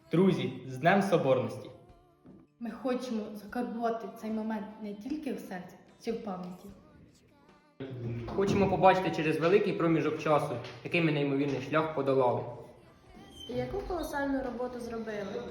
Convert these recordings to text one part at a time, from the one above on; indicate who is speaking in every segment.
Speaker 1: Друзі, з Днем Соборності!
Speaker 2: Ми хочемо закарбувати цей момент не тільки в серці, чи в пам'яті.
Speaker 3: Хочемо побачити через великий проміжок часу, який ми неймовірний шлях подолали.
Speaker 4: І яку колосальну роботу зробили.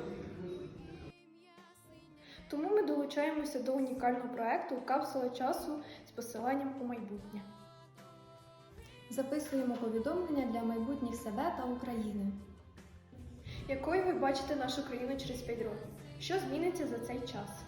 Speaker 4: Тому ми долучаємося до унікального проєкту «Капсула часу» з посиланням у майбутнє.
Speaker 5: Записуємо повідомлення для майбутніх себе та України.
Speaker 4: Якою ви бачите нашу країну через 5 років? Що зміниться за цей час?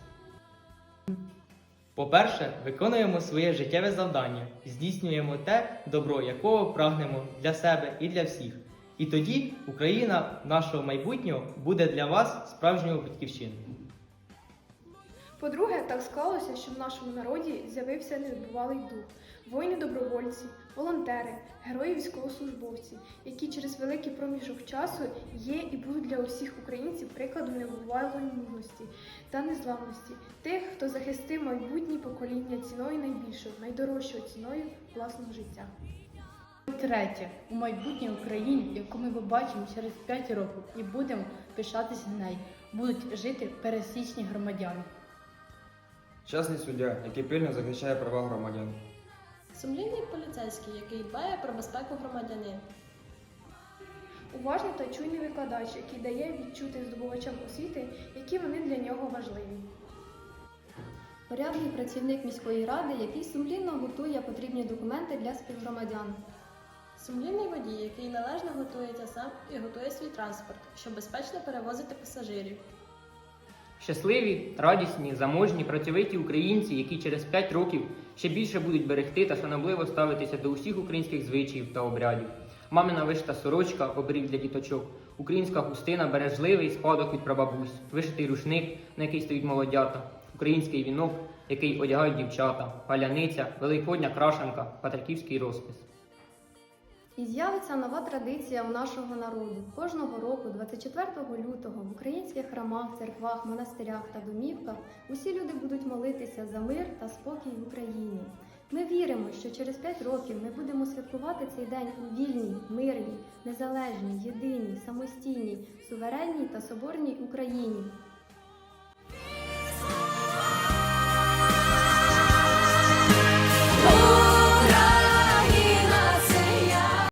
Speaker 1: По-перше, виконуємо своє життєве завдання, здійснюємо те добро, якого прагнемо для себе і для всіх. І тоді Україна нашого майбутнього буде для вас справжньою батьківщиною.
Speaker 4: По-друге, так склалося, що в нашому народі з'явився небувалий дух. Воїни-добровольці, волонтери, герої-військовослужбовці, які через великий проміжок часу є і будуть для усіх українців прикладом небувалої мужності та незламності. Тих, хто захистив майбутні покоління ціною найбільшою, найдорожчою ціною власного життя.
Speaker 2: Третє. У майбутній Україні, яку ми побачимо через 5 років і будемо пишатися нею, будуть жити пересічні громадяни.
Speaker 6: Чесний суддя, який пильно захищає права громадян.
Speaker 7: Сумлінний поліцейський, який дбає про безпеку громадянина.
Speaker 4: Уважний та чуйний викладач, який дає відчути здобувачам освіти, які вони для нього важливі.
Speaker 5: Порядний працівник міської ради, який сумлінно готує потрібні документи для співгромадян.
Speaker 7: Сумлінний водій, який належно готується сам і готує свій транспорт, щоб безпечно перевозити пасажирів.
Speaker 3: Щасливі, радісні, заможні, працьовиті українці, які через 5 років ще більше будуть берегти та шанобливо ставитися до усіх українських звичаїв та обрядів. Мамина вишита сорочка, оберіг для діточок, українська хустина, бережливий спадок від прабабусь, вишитий рушник, на який стоїть молодята, український вінок, який одягають дівчата, паляниця, великодня крашенка, патриківський розпис.
Speaker 5: І з'явиться нова традиція у нашого народу. Кожного року, 24 лютого, в українських храмах, церквах, монастирях та домівках усі люди будуть молитися за мир та спокій в Україні. Ми віримо, що через 5 років ми будемо святкувати цей день у вільній, мирній, незалежній, єдиній, самостійній, суверенній та соборній Україні.